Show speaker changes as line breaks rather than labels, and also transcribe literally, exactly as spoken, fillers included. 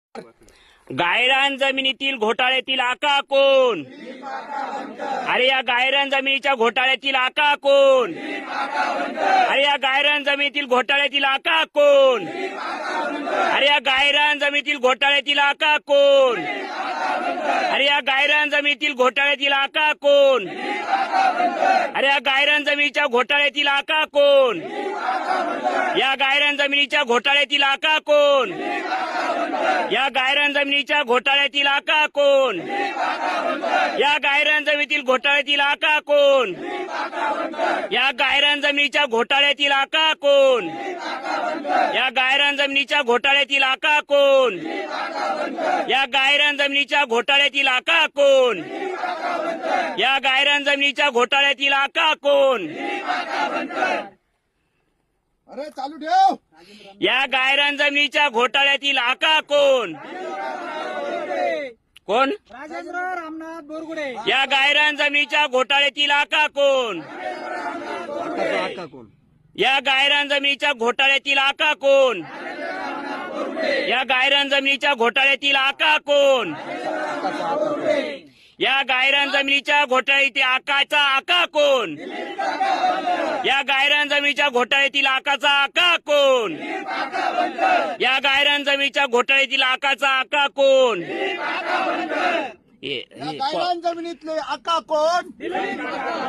गायरान जमिनीतील घोटाळ्यातील आका कोण? अरे या गायरान जमिनीच्या घोटाळ्यातील आका कोण? अरे या गायरान जमिनीतील घोटाळ्यातील आका कोण? अरे या गायरान जमिनीतील घोटाळ्यातील आका कोण? अरे या गायरान जमिनीतील घोटाळ्यातील आका कोण? अरे या गायरान जमिनीच्या घोटाळ्यातील आका कोण? या गायरान जमिनीच्या घोटाळ्यातील आका कोण? या गायरान जमिनीच्या घोटाळ्यातील आका कोण? या गायरान जमिनीतील घोटाळ्यातील आका कोण? या गायरान जमिनीच्या घोटाळ्यातील आका कोण? या गायरान जमिनीच्या घोटाळ्यातील आका कोण? या गायरान जमिनीच्या घोटाळ्यातील आका कोण? या गायरान जमिनीच्या घोटाळ्यातील आका कोण?
अरे चालू ठेव.
या गायरान जमिनीच्या घोटाळ्यातील आका कोण? कोण?
राजेंद्र रामनाथ बोरगुडे.
या गायरान जमिनीच्या घोटाळ्यातील आका कोण?
आका कोण?
या गायरान जमिनीच्या घोटाळ्यातील आका कोण? या गायरान जमिनीच्या घोटाळ्यातील आका कोण? या गायरान जमिनीच्या घोटाळ्यातील आकाचा आका कोण? या गायरान जमिनीच्या घोटाळ्यातील आकाचा आका कोण? या गायरान जमिनीच्या घोटाळ्यातील आकाचा आका कोण?
या गायरान जमिनीतले आका कोण?